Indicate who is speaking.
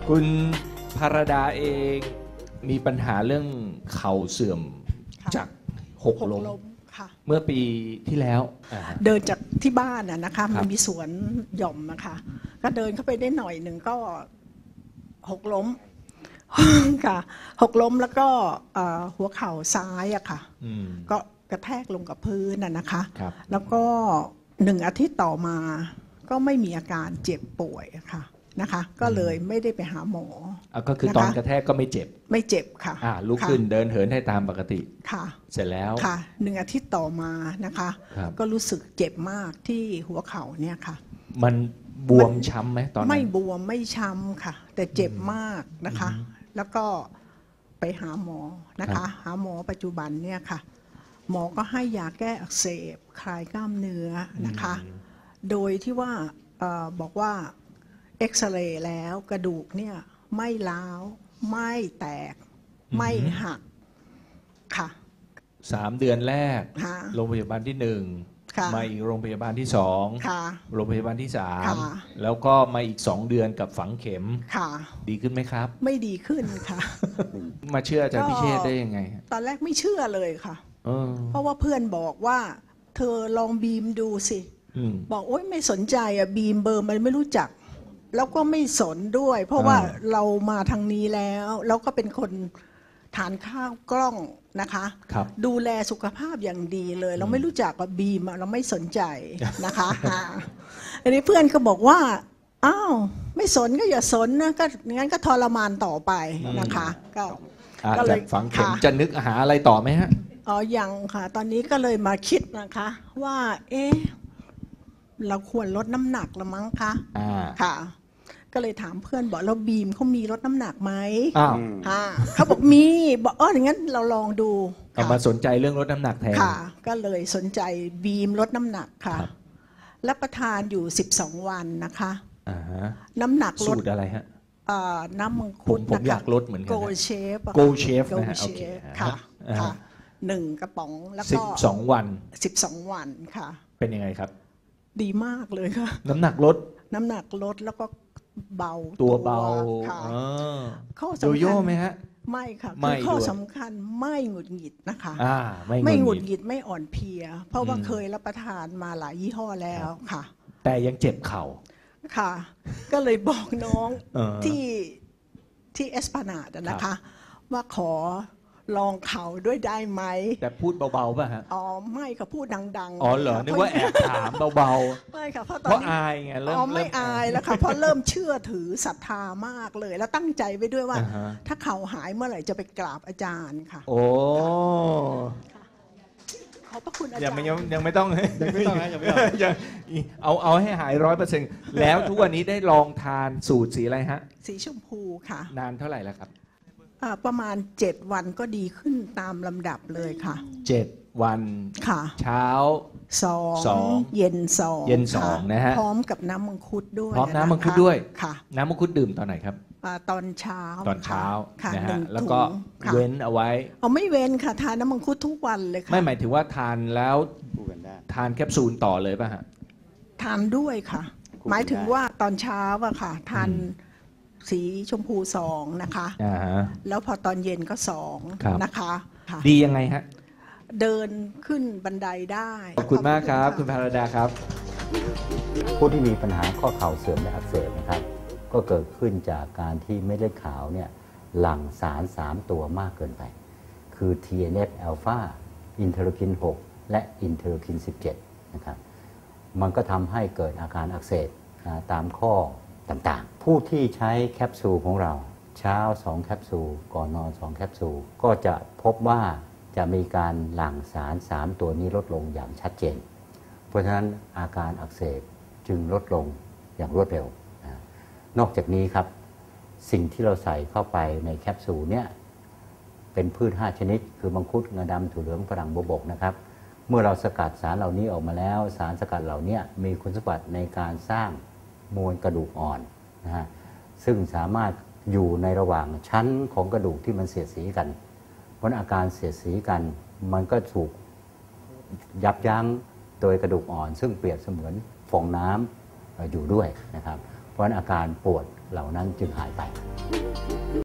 Speaker 1: คุณภรดาเองมีปัญหาเรื่องเข่าเสื่อมจากหกล้มเมื่อปีที่แล้ว
Speaker 2: เดินจากที่บ้านนะคะมันมีสวนหย่อมนะคะก็เดินเข้าไปได้หน่อยหนึ่งก็หกล้มค่ะหกล้มแล้วก็หัวเข่าซ้ายอะค่ะก็กระแทกลงกับพื้นนะคะแล้วก็1 อาทิตย์ต่อมาก็ไม่มีอาการเจ็บป่วยค่ะนะคะก็เลยไม่ได้ไปหาหมอ
Speaker 1: ก็คือตอนกระแทกก็ไม่เจ็บ
Speaker 2: ค่ะ
Speaker 1: ลุกขึ้นเดินเหินได้ตามปกติ
Speaker 2: ค่ะ
Speaker 1: เสร็จแล้ว
Speaker 2: ค่ะ1 อาทิตย์ต่อมานะคะก็รู้สึกเจ็บมากที่หัวเข่าเนี่ยค่ะ
Speaker 1: มันบวมช้ำไหมตอนนั้น
Speaker 2: ไม่บวมไม่ช้ำค่ะแต่เจ็บมากนะคะแล้วก็ไปหาหมอนะคะหาหมอปัจจุบันเนี่ยค่ะหมอก็ให้ยาแก้อักเสบคลายกล้ามเนื้อนะคะโดยที่ว่าบอกว่าเอ็กซเรย์แล้วกระดูกเนี่ยไม่ร้าวไม่แตกไม่หักค่ะ
Speaker 1: 3 เดือนแรกโรงพยาบาลที่1มาอีกโรงพยาบาลที่2โรงพยาบาลที่3แล้วก็มาอีก2 เดือนกับฝังเข็มดีขึ้นไหมครับ
Speaker 2: ไม่ดีขึ้นค่ะ
Speaker 1: มาเชื่ออาจารย์พิเชษได้ยังไง
Speaker 2: ตอนแรกไม่เชื่อเลยค่ะเพราะว่าเพื่อนบอกว่าเธอลองบีมดูสิบอกโอ๊ยไม่สนใจบีมเบอร์มันไม่รู้จักแล้วก็ไม่สนด้วยเพราะว่าเรามาทางนี้แล้วก็เป็นคนทานข้าวกล้องนะคะดูแลสุขภาพอย่างดีเลยเราไม่รู้จักว่าบีมเราไม่สนใจนะคะอันนี้เพื่อนก็บอกว่าอ้าวไม่สนก็อย่าสนนะก็งั้นก็ทรมานต่อไปนะคะ
Speaker 1: ก็เลยฝังเข็มจะนึกหาอะไรต่อไหมฮะ
Speaker 2: ยังค่ะตอนนี้ก็เลยมาคิดนะคะว่าเราควรลดน้ำหนักละมั้งคะค่ะก็เลยถามเพื่อนบอกเราบีมเขามีลดน้ำหนักไหมเขาบอกมีบอกอย่างนั้นเราลองดู
Speaker 1: มาสนใจเรื่องลดน้ำหนักแทน
Speaker 2: ค่ะก็เลยสนใจบีมลดน้ำหนักค่ะรับประทานอยู่12 วันนะคะน้ำหนักลด
Speaker 1: สูตรอะไรฮะ
Speaker 2: น้ำมังคุด
Speaker 1: ผมอยากลดเหมือนกัน
Speaker 2: โกเชฟ
Speaker 1: นะฮะโอเค
Speaker 2: ค่ะ1 กระป๋องแล้วก็
Speaker 1: 12 วัน
Speaker 2: 12 วันค่ะ
Speaker 1: เป็นยังไงครับ
Speaker 2: ดีมากเลยค่ะ
Speaker 1: น้ำหนักลด
Speaker 2: แล้วก็เบา
Speaker 1: ตัวเบา
Speaker 2: ข้อสำคัญ
Speaker 1: โยโย่ไหมฮะ
Speaker 2: ไม่ค่ะคือข้อสำคัญไม่หงุดหงิดนะคะ
Speaker 1: ไม่
Speaker 2: หงุดหงิดไม่อ่อนเพลียเพราะว่าเคยรับประทานมาหลายยี่ห้อแล้วค่ะ
Speaker 1: แต่ยังเจ็บเข่า
Speaker 2: ค่ะก็เลยบอกน้องที่เอสพานาดนะคะว่าขอลองเข่าด้วยได้ไหม
Speaker 1: แต่พูดเบาๆป่ะฮะ
Speaker 2: ไม่ค่ะพูดดัง
Speaker 1: ๆเหรอนึกว่าแอบถามเบา
Speaker 2: ๆไม่ค่ะเพราะ
Speaker 1: ตอนนี้อายไงเริ่ม
Speaker 2: ไม่อายแล้วค่ะเพราะเริ่มเชื่อถือศรัทธามากเลยแล้วตั้งใจไว้ด้วยว่าถ้าเข่าหายเมื่อไหร่จะไปกราบอาจารย์ค่ะ
Speaker 1: โอ้
Speaker 2: ขอบพระคุณอาจารย์
Speaker 1: ยังไม่ต้องเอาให้หาย100%แล้วทุกวันนี้ได้ลองทานสูตรสีอะไรฮะ
Speaker 2: สีชมพูค่ะ
Speaker 1: นานเท่าไหร่แล้วครับ
Speaker 2: ประมาณ7 วันก็ดีขึ้นตามลำดับเลยค่ะ
Speaker 1: 7 วัน
Speaker 2: ค่ะ
Speaker 1: เช้า
Speaker 2: 2เย็น2
Speaker 1: นะฮะ
Speaker 2: พร้อมกับน้ำมังคุดด้วย
Speaker 1: พร้อมน้ำมังคุดด้วย
Speaker 2: ค่ะ
Speaker 1: น้ำมังคุดดื่มตอนไหนครับ
Speaker 2: ตอนเช้า
Speaker 1: นะฮะแล้วก็เว้นเอาไว้
Speaker 2: ไม่เว้นค่ะทานน้ำมังคุดทุกวันเลยค่ะ
Speaker 1: ไม่หมายถึงว่าทานแล้วทานแคปซูลต่อเลยป่ะฮะ
Speaker 2: ทานด้วยค่ะหมายถึงว่าตอนเช้าอะค่ะทานสีชมพู2นะคะแล้วพอตอนเย็นก็2นะคะ
Speaker 1: ดียังไงฮะ
Speaker 2: เดินขึ้นบันไดได้
Speaker 1: ขอบคุณมากครับคุณภรดาครับ
Speaker 3: ผู้ที่มีปัญหาข้อเข่าเสื่อมและอักเสบนะครับก็เกิดขึ้นจากการที่เม็ดเลือดขาวเนี่ยหลั่งสาร3 ตัวมากเกินไปคือ TNF อ l p h a อินเทอร์คิน6และอินเทอร์คิน17นะครับมันก็ทำให้เกิดอาการอักเสบตามข้อต่างๆผู้ที่ใช้แคปซูลของเราเช้า2 แคปซูลก่อนนอน2 แคปซูลก็จะพบว่าจะมีการหลั่งสาร3 ตัวนี้ลดลงอย่างชัดเจนเพราะฉะนั้นอาการอักเสบจึงลดลงอย่างรวดเร็วนอกจากนี้ครับสิ่งที่เราใส่เข้าไปในแคปซูลเนี่ยเป็นพืช5 ชนิดคือมังคุดงาดำถั่วเหลืองฝรั่งบัวบกนะครับเมื่อเราสกัดสารเหล่านี้ออกมาแล้วสารสกัดเหล่านี้มีคุณสมบัติในการสร้างมวลกระดูกอ่อนนะฮะซึ่งสามารถอยู่ในระหว่างชั้นของกระดูกที่มันเสียดสีกันเพราะอาการเสียดสีกันมันก็ถูกยับยั้งโดยกระดูกอ่อนซึ่งเปรียบเสมือนฟองน้ำอยู่ด้วยนะครับเพราะอาการปวดเหล่านั้นจึงหายไป